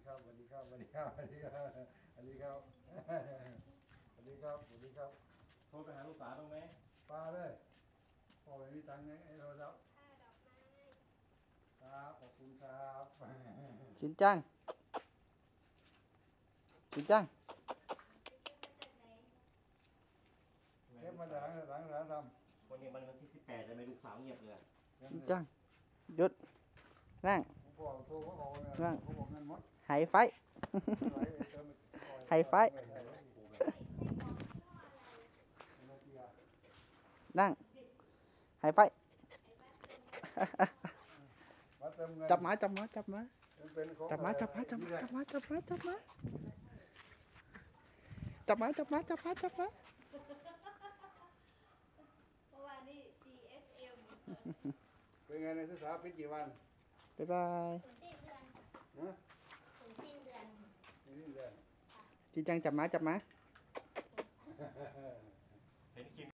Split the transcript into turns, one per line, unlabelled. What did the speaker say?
ครับสวัสดีครับสวัสดีครับสวัสดีครับสวัสดีครับสวัสดีครับสวัสดีครับ
โทรไปหาลูกสาวตรงไหม
ปลาเลยพอไม่มีตังค์ไอ้เราแล้วครับขอบคุณครับ
Chín chăng? Chín chăng?
เก็บมาหลังท
วันนี้มันวันที่18เลยไม่ลูกสาวเงียบเลย
ำ
Chín chăng? Dút. Nang.
ผมบอกโทรเขาบอกว่า
นั่ง
เขาบอกเงินหมด
Hãy phải. ให้ไฟ Nang. Hãy phải.
มาเติมเงิน
Chập má, chập má, chập má.
เป็นของ
Chập má, chập má, chập má, chập má, chập má, chập má. Chập má, chập má, chập má, chập má.
เพราะว่านี่ GSM
เป็นไงในศึกษาปิดกี่วัน
Bye bye.
ถึงสิ้นเดือน
ฮะ
ถึงสิ้นเดือน
นี่เดือน
Chín chăng chập má, chập má.
เห็นคลิป